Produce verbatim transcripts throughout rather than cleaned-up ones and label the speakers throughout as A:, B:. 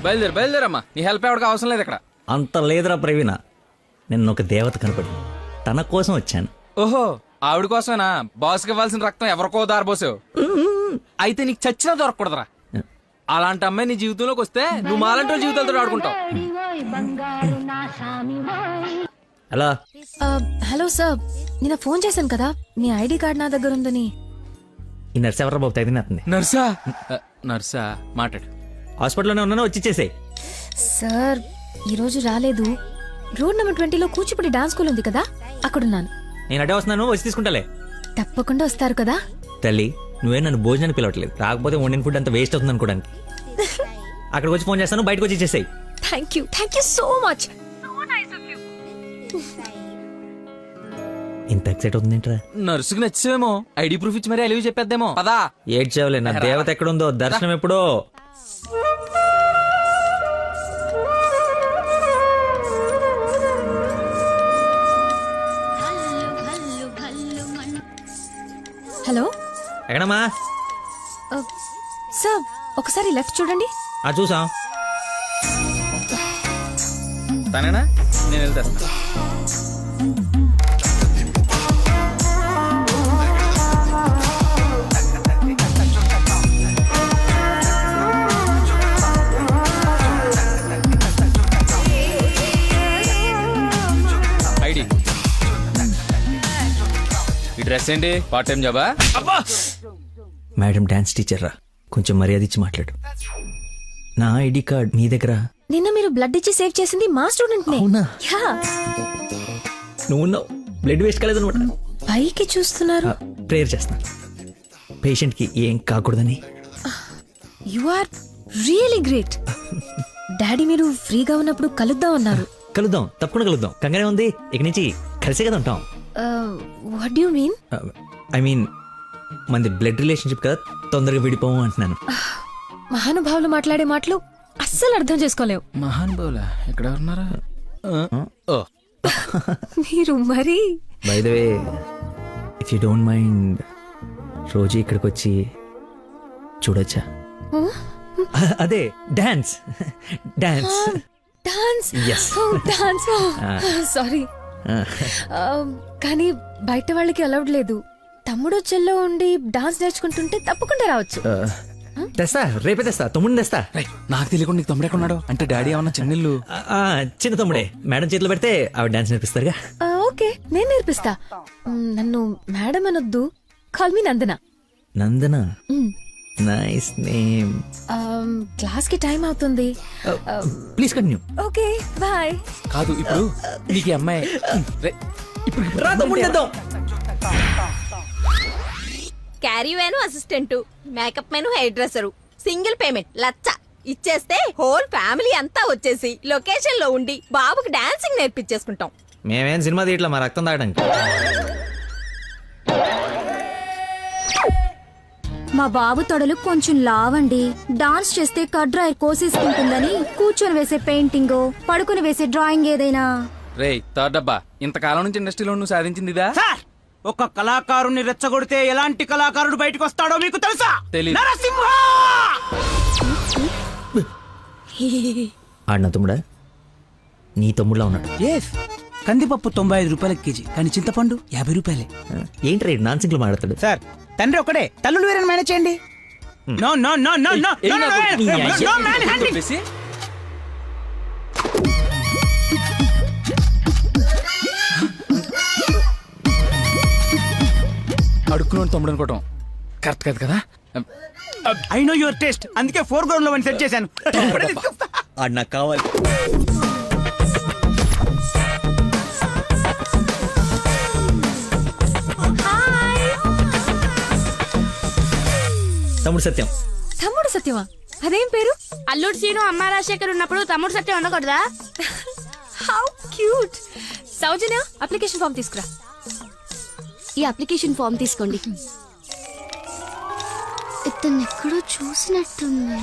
A: బయలుదేరు బయలుదేరమ్మా, నీ హెల్ప్ ఎవరికి అవసరం లేదు ఇక్కడ.
B: అంత లేదురా ప్రవీణ, నిన్న ఒక దేవత కనపడి తన కోసం వచ్చాను.
A: ఓహో, ఆవిడ కోసమేనా బాస్కి ఇవ్వాల్సిన రక్తం ఎవరికో దారిపోసావు? అయితే నీకు చచ్చినా దొరకకూడదురా. అలాంటి అమ్మాయి నీ జీవితంలోకి వస్తే నువ్వు మాలంటి వాళ్ళ జీవితాలతో ఆడుకుంటావు.
B: హలో
C: హలో సార్, నిన్న ఫోన్ చేశాను కదా, మీ ఐడి కార్డ్ నా దగ్గర ఉందని.
B: ఈ నర్స్ ఎవరు బాబు తగినట్టుంది?
A: నర్సా? నర్సా మాట్లాడు.
B: హాస్పిటల్లోనే ఉన్నాను, వచ్చి ఇచ్చేసేయ్.
C: సార్ ఈరోజు రాలేదు. రోడ్ నెంబర్ ట్వంటీలో కూచిపూడి డాన్స్ స్కూల్ ఉంది కదా, అక్కడున్నాను.
B: నేను అడే వస్తున్నాను, వచ్చి తీసుకుంటాలే.
C: తప్పకుండా వస్తారు కదా.
B: తల్లి, నువ్వే నన్ను భోజనానికి పిలవట్లేదు, రాకపోతే వండిన ఫుడ్ అంత వేస్ట్ అవుతుంది అనుకోడానికి. అక్కడికి వచ్చి ఫోన్ చేస్తాను, బయటకు వచ్చి ఇచ్చేసేయ్.
C: Thank you thank you so much.
B: ఇంత ఎక్సైట్ అవుతుంది ఏంట్రా?
A: నర్సుకి నచ్చేమో, ఐడి ప్రూఫ్ ఇచ్చి మరీ అలివి చెప్పేద్దేమో. పదా
B: ఏడ్చావులే, నా దేవత ఎక్కడుందో దర్శనం ఎప్పుడో.
C: హలో
B: ఎక్కడమ్మా?
C: సార్ ఒకసారి లెఫ్ట్ చూడండి.
B: ఆ చూసాం.
A: తనేనా? నేను వెళ్తాను. ఐడి, ఈ డ్రెస్ ఏంటి? పార్ట్ టైం జాబా?
B: మేడం డాన్స్ టీచర్ రా, కొంచెం మర్యాద ఇచ్చి మాట్లాడు. నా ఐడి కార్డ్ మీ దగ్గర.
C: నిన్న మీరు బ్లడ్ ఇచ్చి సేవ్ చేసింది మా స్టూడెంట్ నే.
B: అవునా?
C: యా.
B: నువ్వు ఉన్నావు, బ్లడ్ వేస్ట్ కాలేదు అనమాట.
C: పైకి చూస్తున్నారు.
B: ప్రేయర్ చేస్తా, పేషెంట్ కి ఏం కాకూడదని.
C: You are really great. Daddy మీరు ఫ్రీగా ఉన్నప్పుడు కలుద్దాం అన్నారు.
B: కలుద్దాం, తప్పకుండా కలుద్దాం. కంగానే ఉంది, ఇక నుంచి కలిసే కదా ఉంటాం.
C: What do you mean?
B: I mean మనది బ్లడ్ రిలేషన్షిప్ కదా, తొందరగా విడిపోము అంటున్నాను.
C: మహానుభావులు మాట్లాడే మాటలు అస్సలు అర్థం చేసుకోలేవు.
A: మహానుభావులా? ఎక్కడ ఉన్నారా?
C: మీరు మరి.
B: By the way, if you don't mind, రోజు ఇక్కడికి వచ్చి చూడొచ్చా? అదే dance dance
C: dance.
B: Yes.
C: Dance. Sorry, కానీ బయట వాళ్ళకి అలౌడ్ లేదు. తమ్ముడు చెల్లో ఉండి డాన్స్ నేర్చుకుంటుంటే తప్పకుండా రావచ్చు.
B: తెస్తా, రేపే తెస్తా, తమ్ముడిని తెస్తా.
A: నాకు తెలియకుండా నీకు తమ్ముడు ఎక్కడున్నాడు? అంటే డాడీ ఏమన్నా చెన్నెళ్ళు?
B: ఆ, చిన్న తమ్ముడే, మేడం చేతిలో పెడితే ఆవిడ డాన్స్ నేర్పిస్తారుగా.
C: ఓకే, నేను నేర్పిస్తా. మ్, నన్ను మేడం అనొద్దు, call me Nandana.
B: Nandana, nice name.
C: Class కి టైం అవుతుంది.
B: Please continue.
C: Okay bye.
A: కాదు, ఇప్పుడు నీకు ఈ అమ్మాయి రే, ఇప్పుడు
B: రా తమ్ముడిని తెద్దాం.
D: Caravan assistant, makeup man hair dresser, single payment లచ్చ ఇచ్చేస్తే హోల్ ఫ్యామిలీ అంతా వచ్చేసి లొకేషన్ లో ఉండి బాబుకి డాన్సింగ్ నేర్పించేసుకుంటాం.
B: మేమేం సినిమా తీయట్లా, మా రక్తం తాగడానికి.
E: మా బాబు తొడలు కొంచెం లావండి. డాన్స్ చేస్తే కట్ డ్రైర్ కోసేసుకుంటుందని కూర్చొని వేసే పెయింటింగ్, పడుకుని వేసే డ్రాయింగ్ ఏదైనా.
A: రే థర్డ్ డబ్బా, ఇంతకాలం నుంచి ఇండస్ట్రీలో నువ్వు సాధించింది ఇదా?
F: ఒక కళాకారుని రెచ్చగొడితే ఎలాంటి కళాకారుడు బయటకు వస్తాడో మీకు తెలుసా?
A: తెలీదు.
F: నరసింహ!
B: ఆడిన తమ్ముడా? నీ తమ్ముడులా ఉన్నాడు.
F: ఎస్, కందిపప్పు తొంభై ఐదు రూపాయల కేజీ, కానీ చింతపండు యాభై రూపాయలే.
B: ఏంటి రేడు నాన్సింగ్ లో మాట్లాడతాడు?
F: సార్, తండ్రి ఒకడే, తల్లులు వేరే మేనేజ్ చేయండి. No no no no no
A: ఏయ్,
F: నో
A: నాకు నీ
F: నో
A: అయ్య-
F: నో మ్యాన్ హ్యాండింగ్.
A: చెప్పేసి అడుక్కున్నాడు తమ్ముడు అనుకోవటం కరెక్ట్ కాదు కదా.
F: ఐ నో యువర్ టేస్ట్, అందుకే ఫోర్ గ్రౌండ్ లో సెట్ చేశాను.
B: ఆడు నాకు కావాలి. తమ్ముడు సత్యం.
C: తమ్ముడు సత్యమా? అదేం పేరు?
G: అల్లుడు సీను అమ్మ రాజశేఖర్ ఉన్నప్పుడు తమ్ముడు సత్యం ఉండకూడదా?
C: How cute. Soujanya, application form తీసుకురా.
E: ఈ అప్లికేషన్ ఫామ్ తీసుకోండి. ఇతను ఎక్కడో చూసినట్టుంది.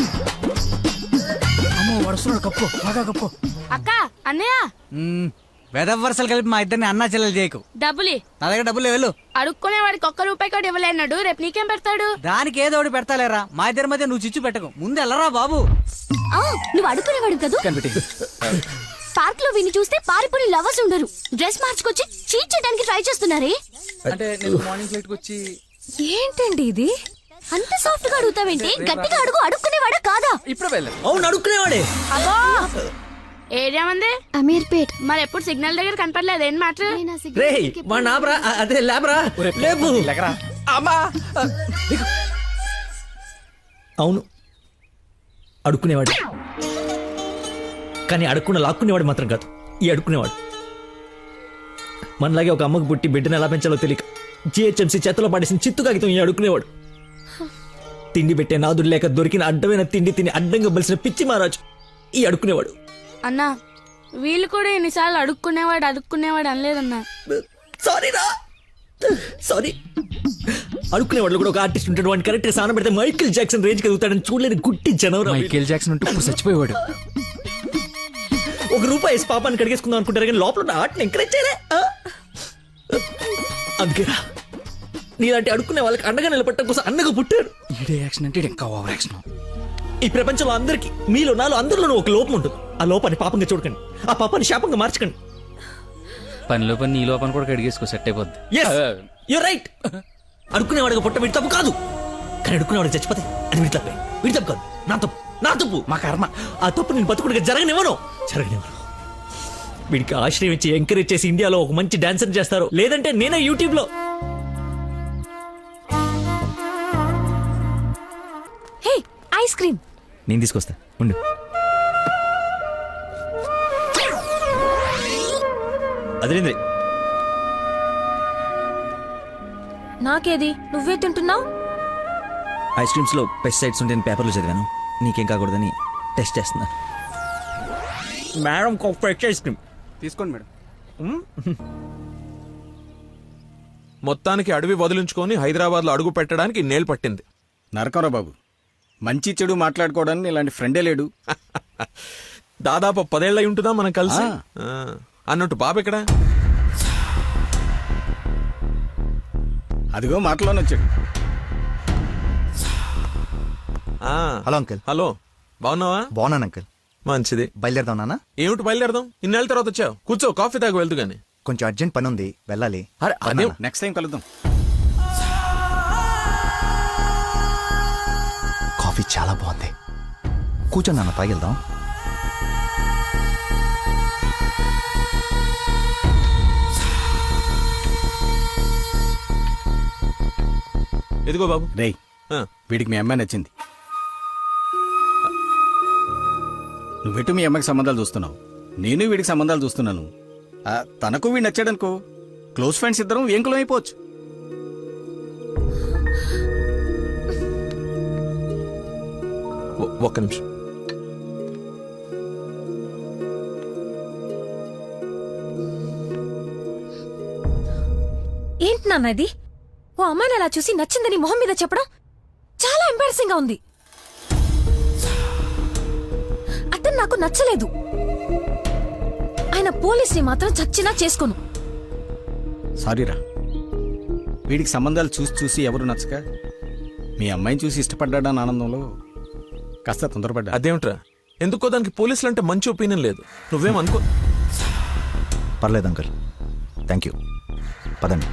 F: అమ్మో, వడుస్తున్నాడు, కప్పు బాగా కప్పు.
G: అక్క, అన్నయ్య,
F: వెదవరసలు కలిపి మా ఇద్దరిని అన్నా చెల్లెలు చేయకు.
G: డబ్బులి
F: నా దగ్గర డబ్బులు వెళ్ళు.
G: అడుక్కునే వాడికి ఒక్క రూపాయి కూడా ఇవ్వలేన్నాడు. రేపు నీకేం పెడతాడు?
F: దానికి ఏదో ఒకటి పెడతాలేరా. మా ఇద్దరి మధ్య నువ్వు చిచ్చు పెట్టకు. ముందు వెళ్ళరా బాబు.
E: ఆ, నువ్వు అడుక్కునేవాడు కదూ. పార్క్ లో విని చూస్తే పారిపోయి లవర్స్ ఉండరు. డ్రెస్ మార్చుకొచ్చి చీట్ చేయడానికి ట్రై చేస్తున్నారే.
A: అంటే నేను మార్నింగ్ ఫ్లైట్ వచ్చి
C: ఏంటండి ఇది?
E: అంత సాఫ్ట్ గా అడుగుతావేంటి? గట్టిగా అడుగు. అడుక్కునేవాడా కాదా?
A: ఇప్పుడే వెళ్ళాను.
B: అవును అడుక్కునేవాడే.
G: అబ్బో ఏరియా మంది
E: అమీర్పేట్.
G: మరి ఎప్పుడు సిగ్నల్ దగ్గర కనపడలేదు. ఏం మాట?
B: రే మా నాబ్రా అదే లేబరా లేపు.
A: అమ్మా
B: అవును అడుక్కునేవాడు, కానీ అడుక్కున్న లాక్కునేవాడు మాత్రం కాదు ఈ అడుక్కునేవాడు. మనలాగే ఒక అమ్మకు పుట్టి బిడ్డను ఎలా పెంచాలో తెలియక జిహెచ్ఎంసీ చేతిలో పడేసిన చిత్తు కాగితం ఈ అడుక్కునేవాడు. తిండి పెట్టే నాదుడు లేక దొరికిన అడ్డమైన తిండి తిని అడ్డంగా బలిసిన పిచ్చి మహారాజు ఈ అడుక్కునేవాడు.
G: అన్నా వీళ్ళు కూడా ఎన్నిసార్లు అడుక్కునేవాడు అడుక్కునేవాడు అనలేదన్నా.
B: సారీ రా సారీ. అడుక్కునేవాడు కూడా ఒక ఆర్టిస్ట్ ఉంటాడు. వాడిని కరెక్ట్ గా సాన పెడితే మైకేల్ జాక్సన్ రేంజ్ ఎదుగుతాడని చూడలేని గుట్టి జనవరం.
A: మైకేల్ జాక్సన్ ఉంటే ఇప్పుడు చచ్చిపోయేవాడు.
B: ఒక రూపాయి వేసి పాపాన్ని కడిగేసుకుందాం అనుకుంటారు కానీ లోపల ఉన్న ఆర్ట్ని ఎంకరేజ్ చేయలే. అందుకేరా నీలాంటి అడుక్కునే వాళ్ళకి అండగా నిలబట్టడం కోసం అన్నగా పుట్టాడు.
A: ఈడే యాక్షన్ అంటే ఇంకా ఓవర్ యాక్షన్.
B: ఈ ప్రపంచంలో అందరికి మీలో నాలో అందరిలోనూ ఒక లోపం ఉంటుంది. ఆ లోపాన్ని పాపంగా చూడకండి, ఆ పాపాన్ని శాపంగా మార్చకండి.
A: పనిలో పని నీ లోపల కూడా కడిగేసుకో, సెట్ అయిపోద్ది.
B: You're right. అడుక్కునేవాడిగా పుట్ట వీడి తప్పు కాదు, కానీ అడుక్కునేవాడికి చచ్చిపోతే అది వీడి తప్పే. వీడి తప్పు కాదు, నా తప్పు, నా తప్పు, మా కర్మ. ఆ తప్పు నేను బతుకుడిగా జరగనివ్వను జరగనివ్వను. వీడికి ఆశ్రయం ఇచ్చి ఎంకరేజ్ చేసి ఇండియాలో ఒక మంచి డాన్సర్ చేస్తారు, లేదంటే నేనే యూట్యూబ్ లో.
C: Hey ice cream.
B: నేను తీసుకొస్తా ఉండు. అదేంద్రి
C: నాకేది? నువ్వే తింటున్నావు.
B: ఐస్ క్రీమ్స్ లో పెస్టిసైడ్స్ ఉంటాయని పేపర్లో చదివాను, నీకేం కాకూడదని టెస్ట్ చేస్తున్నా. మేడం ఫ్రెష్ ఐస్ క్రీమ్
F: తీసుకోండి మేడం.
H: మొత్తానికి అడవి వదిలించుకొని హైదరాబాద్ లో అడుగు పెట్టడానికి నేలు పట్టింది.
I: నరకరా బాబు, మంచి చెడు మాట్లాడుకోవడానికి ఇలాంటి ఫ్రెండే లేడు.
H: దాదాపు పదేళ్ళై ఉంటుందా మనం కలిసి. ఆ, అన్నట్టు బాబు ఇక్కడ
I: అదిగో మాటలోనే వచ్చాడు.
H: ఆ,
J: హలో అంకుల్.
H: హలో, బాగున్నావా?
J: బాగున్నాను అంకుల్.
H: మంచిది.
J: బయలుదేరదాం నాన్న.
H: ఏమిటి బయలుదేరదాం? ఇన్నేళ్ళ తర్వాత వచ్చావు, కూర్చో, కాఫీ తాగు వెళ్తూ గాని.
J: కొంచెం అర్జెంట్ పని ఉంది, వెళ్ళాలి.
H: అరే, అదే
I: నెక్స్ట్ టైం కలుద్దాం.
J: కాఫీ చాలా బాగుంది, కూర్చో నాన్న, తాగిద్దాం.
H: ఎదిగో బాబు.
I: రేయ్,
H: ఆ,
I: వీడికి మీ అమ్మాయి నచ్చింది. నువ్వెటు మీ అమ్మాయికి సంబంధాలు చూస్తున్నావు, నేను వీడికి సంబంధాలు చూస్తున్నాను. ఆ, తనకు వీడు నచ్చాడనుకో, క్లోజ్ ఫ్రెండ్స్ ఇద్దరం ఏంకులం అయిపోవచ్చు.
H: ఒ- ఒక్క నిమిషం.
C: ఏంటి నాన్న ఇది? ఓ అమ్మాయిని అలా చూసి నచ్చిందని మొహం మీద చెప్పడం చాలా ఎంబారసింగ్ గా ఉంది. అతను నాకు నచ్చలేదు. ఆయన పోలీస్ని మాత్రం చచ్చినా చేసుకోను.
I: సారీరా, వీడికి సంబంధాలు చూసి చూసి ఎవరు నచ్చక మీ అమ్మాయిని చూసి ఇష్టపడ్డాడని ఆనందంలో కాస్త తొందరపడ్డా.
H: అదేమిట్రా, ఎందుకో దానికి పోలీసులు అంటే మంచి ఒపీనియన్ లేదు. నువ్వేం అనుకో.
J: పర్లేదు అంకుల్, థ్యాంక్ యూ. పదండి.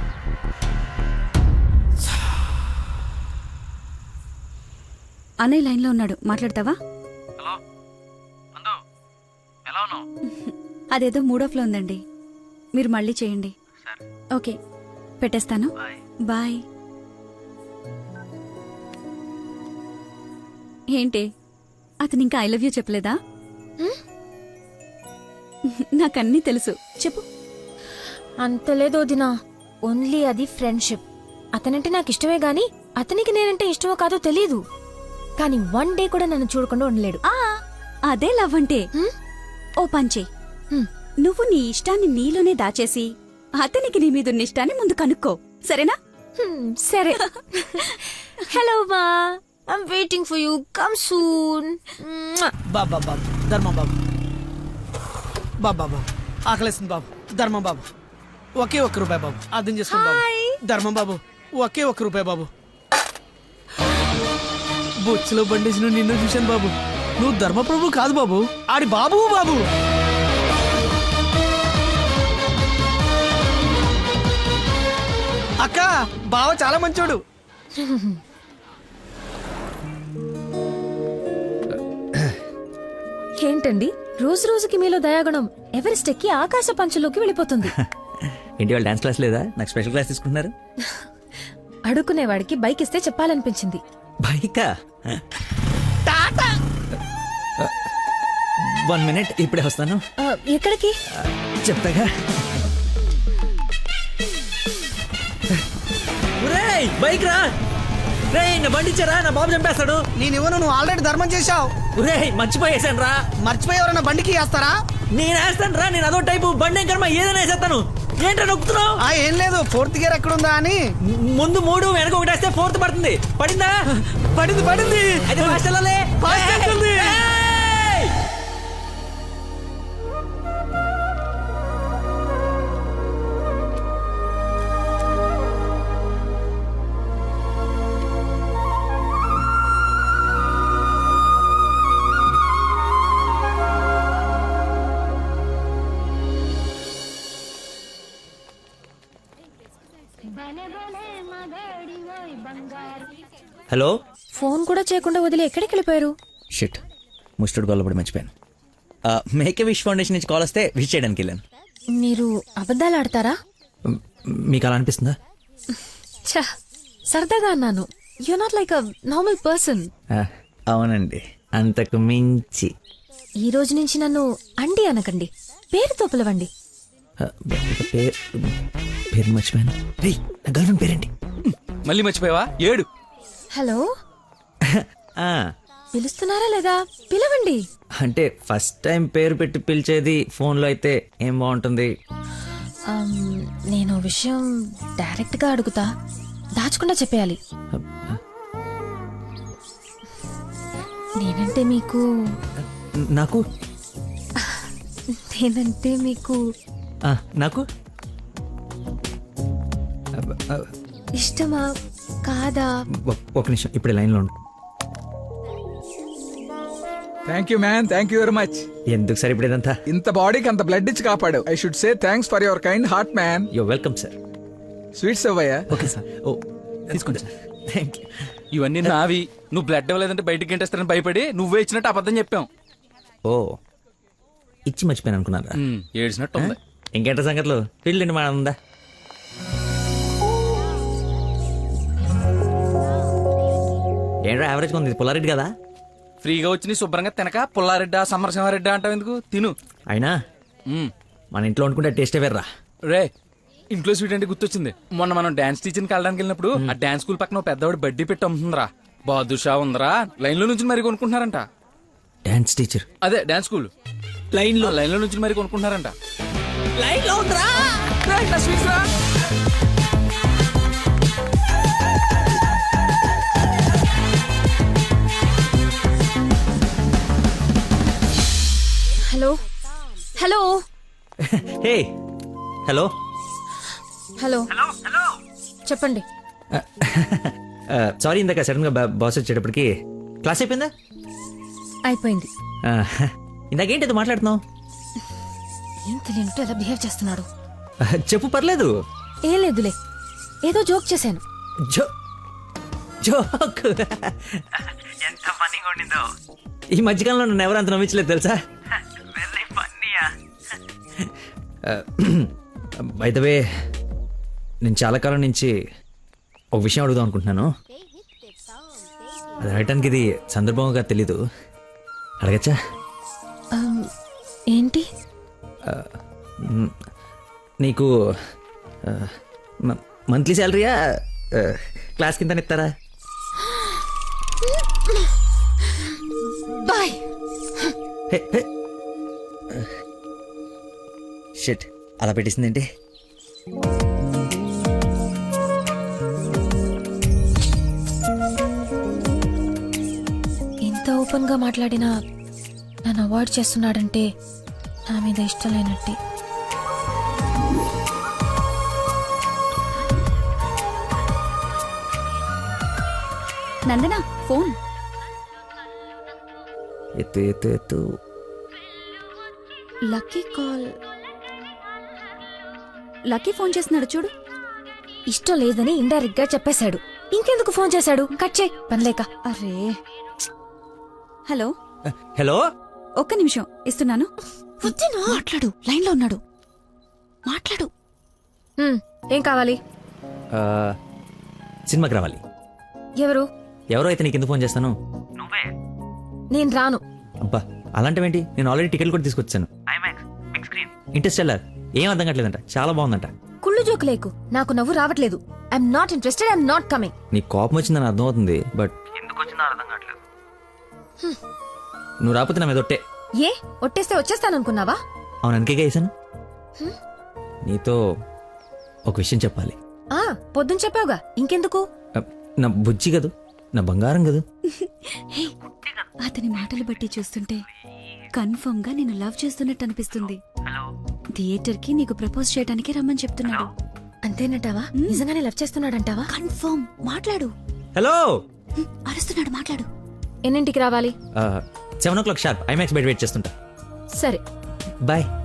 E: అన్నయ్య లైన్ లో ఉన్నాడు, మాట్లాడతావా? అదేదో మూడ్ లో ఉందండి, మీరు మళ్ళీ చేయండి. ఓకే, పెట్టేస్తాను. బాయ్. ఏంటి, అతను ఇంకా ఐ లవ్ యూ చెప్పలేదా? నాకన్నీ తెలుసు, చెప్పు.
C: అంత లేదో దినా, ఓన్లీ అది ఫ్రెండ్షిప్. అతనంటే నాకు ఇష్టమే గాని అతనికి నేనంటే ఇష్టమో కాదో తెలీదు. కానీ వన్ డే కూడా నన్ను చూడకుండా ఉండలేడు.
E: ఆ, అదే లవ్ అంటే. ఓ పంచే, నువ్వు నీ ఇష్టాన్ని నీలోనే దాచేసి అతనికి నీ మీదున్న ఇష్టాన్ని ముందు కనుక్కో, సరేనా?
C: హ్మ్, సరే. హలో మా, I'm waiting for you, come soon.
F: బాబా బాబు, ధర్మ బాబు, బాబా బాబు, ఆకలిస్తుంది బాబు. ధర్మం బాబు, ఒకే ఒక్క రూపాయి బాబు, అర్థం చేసుకోండి బాబు. ధర్మం బాబు, ఒకే ఒక్క రూపాయి బాబు. బొచ్చులో బండేసి నువ్వు నిన్ను చూశాను బాబు. నువ్వు ధర్మప్రభు కాదు బాబు, ఆడి బాబు బాబు. అక్క, బావ చాలా మంచోడు.
C: ఏంటండి రోజు రోజుకి మీలో దయాగుణం ఎవరెస్ట్ ఎక్కి ఆకాశ పంచులోకి వెళ్ళిపోతుంది.
B: ఏంటి వాళ్ళు డాన్స్ క్లాస్ లేదా? నాకు స్పెషల్ క్లాస్ తీసుకుంటున్నారు.
C: అడుక్కునేవాడికి బైక్ ఇస్తే చెప్పాలనిపించింది.
B: బైకా? వన్ మినిట్, ఇప్పుడే వస్తాను.
C: ఆ, ఎక్కడికి?
B: చెప్తాగా. ఒరేయ్, బైక్ రా. రేయ్, నా బండి ఇచ్చారా, నా బాబు చంపేస్తాడు.
F: నేను ఇవ్వను, నువ్వు ఆల్రెడీ ధర్మం చేశావు.
B: ఒరేయ్, మర్చిపోయేసాను రా.
F: మర్చిపోయి ఎవరైనా బండికి వేస్తారా?
B: నేను వేస్తాను రా, నేను అదో టైపు బండి కర్మ ఏదైనా వేసేస్తాను. ఏంటో నొక్కుతున్నావు?
F: ఆ, ఏం లేదు, ఫోర్త్ గేర్ ఎక్కడుందా అని.
B: ముందు మూడు వెనక ఒకటి వేస్తే ఫోర్త్ పడుతుంది. పడిందా?
F: పడింది పడింది.
B: అయితే ఫాస్ట్ వెళ్ళాలి.
F: ఫాస్ట్ వెళ్తుంది.
B: ఏయ్! హలో.
C: ఫోన్ కూడా చేయకుండా వదిలి ఎక్కడికి వెళ్ళిపోయారు?
B: షిట్, ముస్టుడు గొల్లబడి మర్చిపోయాను. మేకే విష్ ఫౌండేషన్ నుంచి కాల్ వస్తే విష్ చేయడానికి వెళ్ళాను.
C: మీరు అబద్ధాలు ఆడతారా?
B: మ్, మీకు అలా అనిపిస్తుందా?
C: ఛ, సరదాగా అన్నాను. You not like a normal person.
B: ఆ, అవునండి, అంతకు మించి.
C: ఈ రోజు నుంచి నన్ను అండి అనకండి, పేరుతో పిలవండి.
B: ఆ, పేరు పేరు మర్చిపోయాను. రే, నా గర్ల్ ఫ్రెండ్ పేరేంటి?
A: మళ్ళీ మర్చిపోయావా? ఏడు.
C: హలో,
B: ఆ,
C: పిలుస్తున్నారా లేదా? పిలవండి.
B: అంటే ఫస్ట్ టైం పేరు పెట్టి పిలిచేది ఫోన్లో అయితే ఏం బాగుంటుంది?
C: అమ్, నేను ఓ విషయం డైరెక్ట్ గా అడుగుతా, దాచకుండా చెప్పేయాలి. నేనంటే మీకు
B: నాకు
C: నేనంటే మీకు
B: ఆ, నాకు
C: ఇష్టమా కాదా?
B: ఒ- ఒక నిమిషం, ఇప్పుడు లైన్లో ఉండు.
K: Thank you man, thank you very much.
B: ఎందుకు సార్ ఇప్పుడు ఇదంతా?
K: ఇంత బాడీకి అంత బ్లడ్ ఇచ్చి కాపాడు. I should say thanks for your kind heart man.
B: Yo welcome sir.
K: Sweets అవ్వయ్యా.
B: Okay sir. ఓ, తీసుకోండి సార్. Thank you.
A: ఇవన్నీ నావి. నువ్వు బ్లడ్ ఇవ్వలేదంటే బయటికి గంటేస్తారని భయపడి నువ్వే ఇచ్చినట్టు అబద్ధం చెప్పాం.
B: ఓ, ఇచ్చి మర్చిపోయాను అనుకున్నారా?
A: ఉమ్, ఏడ్చినట్టు ఉంది.
B: ఇంకేంట సంగతులు? ఫీల్డ్ అండి మా ఉందా? ఏంట్రా యావరేజ్ ఉంది, పుల్లారెడ్డి కదా?
A: ఫ్రీగా వచ్చి నీ శుభ్రంగా తినక పుల్లారెడ్డా సమరసింహారెడ్డా అంటావు ఎందుకు? తిను.
B: అయినా
A: ఉమ్.
B: మన ఇంట్లో వండుకుంటే టేస్టే వేర్రా.
A: రే, ఇంట్లో స్వీట్ అంటే గుర్తొచ్చింది. మొన్న మనం డాన్స్ టీచర్కి వెళ్ళడానికి వెళ్ళినప్పుడు ఆ డాన్స్ స్కూల్ పక్కన ఓ పెద్దవాడు బడ్డీ పెట్టి అమ్ముతుందిరా. బాదుషా ఉందరా, లైన్ లో నుంచి మరి కొనుక్కుంటున్నారంట.
B: Dance teacher?
A: అదే డాన్స్ స్కూల్ లైన్ లో లైన్ లో నుంచి మరి కొనుక్కుంటున్నారంట.
B: లైన్ లో ఉందిరా.
C: Hello hello
B: hey, hello
C: hello చెప్పండి.
B: సారీ, ఇందాక సడన్ గా బాస్ వచ్చేటప్పటికి క్లాస్ అయిపోయిందా?
C: అయిపోయింది.
B: ఆ, ఇందాకేంటి అది మాట్లాడుతున్నావు?
C: ఏం తెలియనట్టు ఎలా బిహేవ్ చేస్తున్నాడు.
B: చెప్పు, పర్లేదు.
C: ఏం లేదులే, ఏదో జోక్ చేశాను.
B: జో జోక్ ఎంత ఫన్నీగా ఉండిందో. ఈ మధ్యకాలంలో నన్ను ఎవరు అంత నమ్మించలేదు తెలుసా? బై ద వే, నేను చాలా కాలం నుంచి ఒక విషయం అడుగుదాం అనుకుంటున్నాను. అది అడగటానికి ఇది సందర్భంగా తెలీదు. అడగచ్చా?
C: అమ్, ఏంటి?
B: నీకు మంత్లీ శాలరీయా, క్లాస్ కింద ఇస్తారా?
C: బాయ్.
B: షిట్, అలా పెట్టేసిందేంటి?
C: ఇంత ఓపెన్ గా మాట్లాడినా నన్ను అవాయిడ్ చేస్తున్నాడంటే నా మీద ఇష్టం లేనట్టే.
E: నందన ఫోన్.
B: ఎత్తు ఎత్తు ఎత్తు.
E: Lucky call. లక్కీ ఫోన్ చేస్తున్నాడు చూడు.
C: ఇష్టం లేదని ఇండైరెక్ట్ గా చెప్పేశాడు. ఇంకెందుకు ఫోన్ చేశాడు? కట్ చేయి పనిలేక.
E: అరే హలో
B: హలో.
E: ఒక్క నిమిషం ఇస్తున్నాను. మాట్లాడు, లైన్ లో ఉన్నాడు. మాట్లాడు.
C: హ్మ్, ఏం కావాలి?
B: ఆ, సినిమాకి రావాలి.
C: ఎవరు?
B: ఎవరో అయితే నీకు ఎందుకు ఫోన్ చేస్తాను?
C: నేను రాను.
B: అబ్బా అలాంటివేంటి, నేను ఆల్రెడీ టికెట్ కూడా తీసుకొచ్చాను. ఇంట్రెస్టెల్లర్ ఏం అర్థం కావట్లేదంట, చాలా బాగుందంట.
C: కుళ్ళు జోకు లేకు, నాకు నవ్వు రావట్లేదు. I'm not interested, I'm not coming.
B: నీ కోపం వచ్చిందని అర్థం అవుతుంది, బట్ ఎందుకు వచ్చిందో అర్థం కావట్లేదు. నువ్వు రాకపోతే నా మీద ఒట్టే.
C: ఏ ఒట్టేస్తే వచ్చేస్తాననుకున్నావా?
B: అవును, అందుకే వేసాను. నీతో ఒక విషయం చెప్పాలి.
C: ఆ పొద్దున చెప్పావుగా, ఇంకెందుకు?
B: అ, నా బుజ్జి కదూ, నా బంగారం కదూ.
E: హే, అతని మాటలు బట్టి చూస్తుంటే కన్ఫర్మ్ గా నేను లవ్ చేస్తున్నట్టు అనిపిస్తుంది. థియేటర్ కి నీకు ప్రపోజ్ చేయడానికి రమ్మని చెప్తున్నాడు.
C: అంతేనటావా? నిజంగానే లవ్ చేస్తున్నాడంటావా?
E: కన్ఫర్మ్. మాట్లాడు.
B: హలో.
E: అరుస్తున్నాడు, మాట్లాడు.
C: ఎన్నింటికి రావాలి?
B: Seven o'clock sharp IMAX బయట వెయిట్ చేస్తుంటా.
C: సరే
B: బాయ్.